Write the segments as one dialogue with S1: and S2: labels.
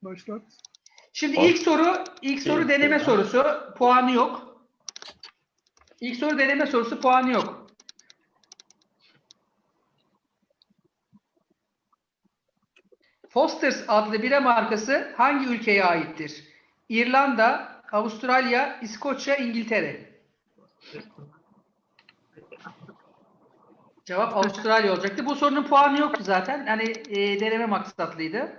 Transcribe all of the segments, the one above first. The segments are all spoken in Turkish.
S1: Başlat.
S2: Şimdi ilk soru deneme sorusu. Puanı yok. İlk soru deneme sorusu, puanı yok. Foster's adlı bira markası hangi ülkeye aittir? İrlanda, Avustralya, İskoçya, İngiltere. Cevap Avustralya olacaktı. Bu sorunun puanı yoktu zaten. Yani deneme maksatlıydı.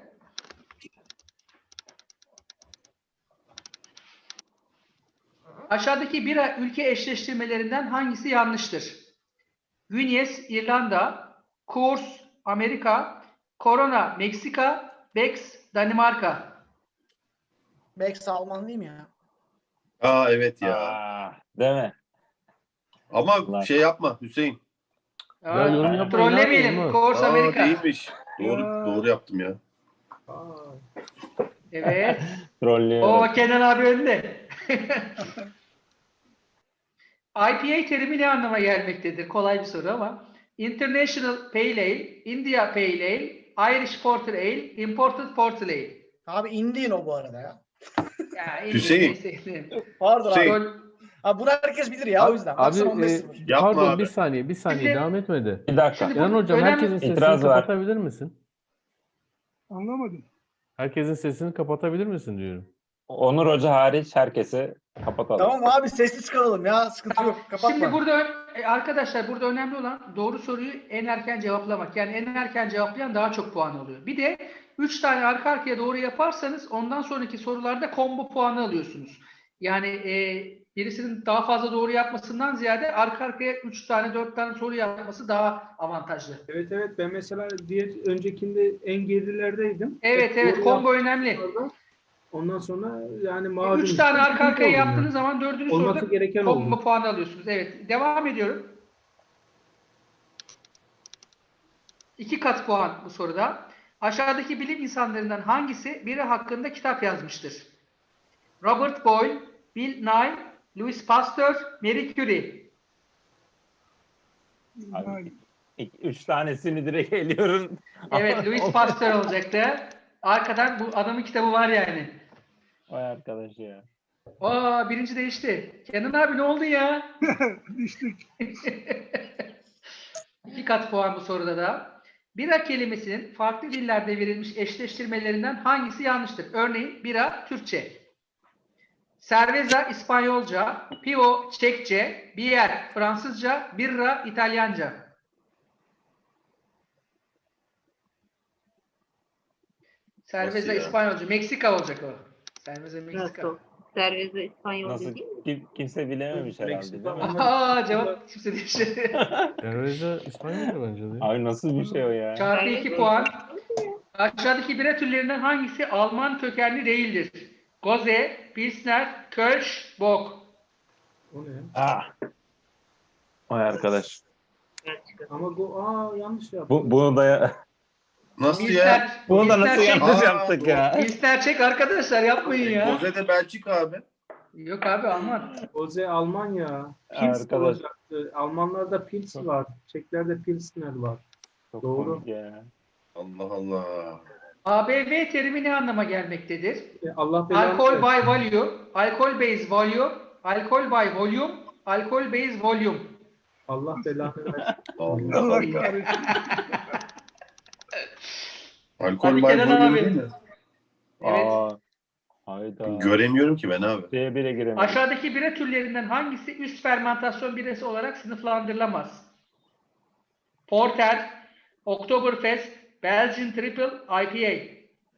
S2: Aşağıdaki bira ülke eşleştirmelerinden hangisi yanlıştır? Guinness, İrlanda, Coors, Amerika, Corona, Meksika, Beck's, Danimarka.
S3: Bex Alman değil mi ya?
S4: Aa evet ya.
S5: Değil mi?
S4: Ama
S5: Lan.
S4: şey yapma Hüseyin.
S6: Ya yorum yapmayın.
S2: Trollemeyelim.
S6: Olmaz.
S2: Coors,
S4: Aa
S2: Amerika.
S4: değilmiş. Doğru yaptım ya.
S2: Evet.
S5: Trollüyor.
S2: O Kenan abi önde. IPA terimi ne anlama gelmektedir? Kolay bir soru ama. International Pale Ale, India Pale Ale, Irish Porter Ale, Imported Porter Ale.
S3: Abi Indian o bu arada ya.
S2: Ya,
S4: Hüseyin.
S3: Pardon
S4: Hüseyin.
S3: abi. Abi bunu herkes bilir ya o yüzden. Baksana 15-0.
S4: Yapma
S6: Pardon
S4: abi.
S6: bir saniye
S2: Şimdi-
S6: devam etmedi.
S5: Bir dakika.
S2: Şimdi-
S6: Kenan hocam
S2: Önemli-
S6: herkesin sesini
S5: İtiraz var.
S6: kapatabilir misin?
S1: Anlamadım.
S6: Herkesin sesini kapatabilir misin diyorum.
S5: Onur Hoca hariç herkesi kapatalım.
S3: Tamam abi sessiz kalalım ya. Sıkıntı yok. Kapatma.
S2: Şimdi burada arkadaşlar burada önemli olan doğru soruyu en erken cevaplamak. Yani en erken cevaplayan daha çok puan alıyor. Bir de 3 tane arka arkaya doğru yaparsanız ondan sonraki sorularda combo puanı alıyorsunuz. Yani birisinin daha fazla doğru yapmasından ziyade arka arkaya 3 tane 4 tane soru yapması daha avantajlı.
S7: Evet ben mesela öncekinde en gerilerdeydim.
S2: Evet
S7: Doğru
S2: combo önemli.
S7: yaptığımda Ondan sonra yani mağdur.
S2: 3 tane arka arkaya
S7: oldum
S2: yaptığınız
S7: yani.
S2: zaman 4.
S7: Olması
S2: soruda
S7: gereken
S2: combo
S7: oldu.
S2: puanı alıyorsunuz. Evet. Devam ediyorum. 2 kat puan bu soruda. Aşağıdaki bilim insanlarından hangisi biri hakkında kitap yazmıştır? Robert Boyle, Bill Nye, Louis Pasteur, Marie Curie.
S5: Abi, 3 tanesini direkt eliyorum.
S2: Evet, Louis Pasteur olacaktı. Arkadan bu adamın kitabı var yani.
S5: Vay arkadaş ya.
S2: Aa, birinci değişti. Kenan abi ne oldu ya?
S1: Düştük.
S2: 2 kat puan bu soruda da. Bira kelimesinin farklı dillerde verilmiş eşleştirmelerinden hangisi yanlıştır? Örneğin bira Türkçe, cerveza İspanyolca, pivo Çekçe, bier Fransızca, birra İtalyanca. Cerveza
S4: Nasıl ya?
S2: İspanyolca, Meksika olacak o. Cerveza Meksika.
S8: Nasıl? Cerveza İspanyolca
S5: Nasıl?
S8: değil mi?
S5: Kimse bilememiş herhalde değil mi?
S2: Aa, cevap kimse değişti.
S6: Cerveza İspanyolca bence değil.
S5: Abi nasıl bir şey o ya?
S2: Çarpı 2 puan. Aşağıdaki bira türlerinden hangisi Alman kökenli değildir? Goze, Pilsner, Kölsch, Bock.
S7: O ne?
S5: Ah. Vay arkadaş.
S8: Belçika.
S7: Ama bu yanlış yaptım.
S5: Bunu da
S4: Nasıl ya?
S2: Pilsner,
S5: bunu da nasıl
S2: Pilsner çek.
S5: yanlış
S4: Aa,
S5: yaptık ya?
S2: Pilsner çek arkadaşlar, yapmayın ya.
S4: Goze de Belçika abi.
S2: Yok abi, Alman.
S7: Oze Almanya. Pils
S5: Arkadaş.
S7: olacaktı. Almanlarda Pils var. Çeklerde Pilsner var.
S5: Çok
S7: Doğru.
S5: komik ya.
S4: Allah Allah.
S2: ABV terimi ne anlama gelmektedir?
S7: Allah belanı
S2: Alkol
S7: versin.
S2: by value, alkol base volume, alkol by volume, alkol base volume.
S7: Allah belanı versin.
S4: Allah
S1: Allah
S4: Allah.
S1: kahretsin.
S4: Alkol
S2: Hadi
S4: var
S2: Kenan
S4: volume
S2: abi.
S4: değil mi?
S2: Evet.
S5: Aa, hayda.
S4: Göremiyorum ki ben abi.
S5: Şeye bile giremiyorum.
S2: Aşağıdaki bira türlerinden hangisi üst fermentasyon birası olarak sınıflandırılamaz? Porter, Oktoberfest, Belgian Triple, IPA.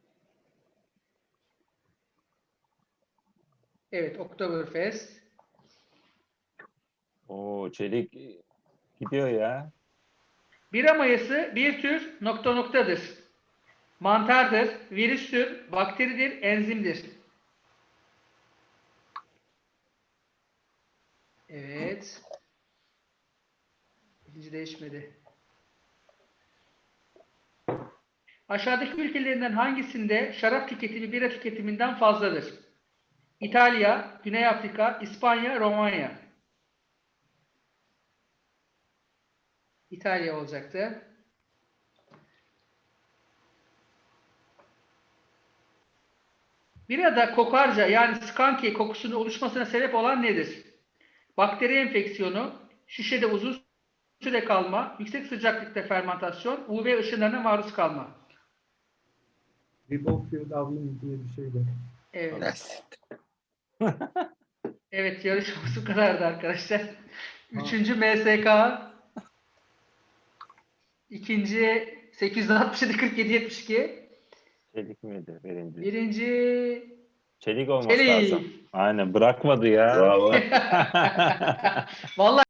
S2: Evet, Oktoberfest.
S5: Oo, çelik gidiyor ya.
S2: Bira mayası bir tür noktadır. Mantardır, virüstür, bakteridir, enzimdir. Evet. Birinci değişmedi. Aşağıdaki ülkelerinden hangisinde şarap tüketimi bira tüketiminden fazladır? İtalya, Güney Afrika, İspanya, Romanya. İtalya olacaktı. Birada kokarca yani skanki kokusunun oluşmasına sebep olan nedir? Bakteri enfeksiyonu, şişede uzun süre kalma, yüksek sıcaklıkta fermentasyon, UV ışınlarına maruz kalma.
S7: Ribofflavium diye bir şey de.
S2: Evet. Evet, yarışmamız bu kadardı arkadaşlar. Üçüncü MSK. İkinci 867 47 72.
S5: Çelik miydi birinci?
S2: Birinci
S5: Çelik olması lazım.
S2: Çelik.
S5: Aynen bırakmadı ya.
S4: Bravo.
S2: Vallahi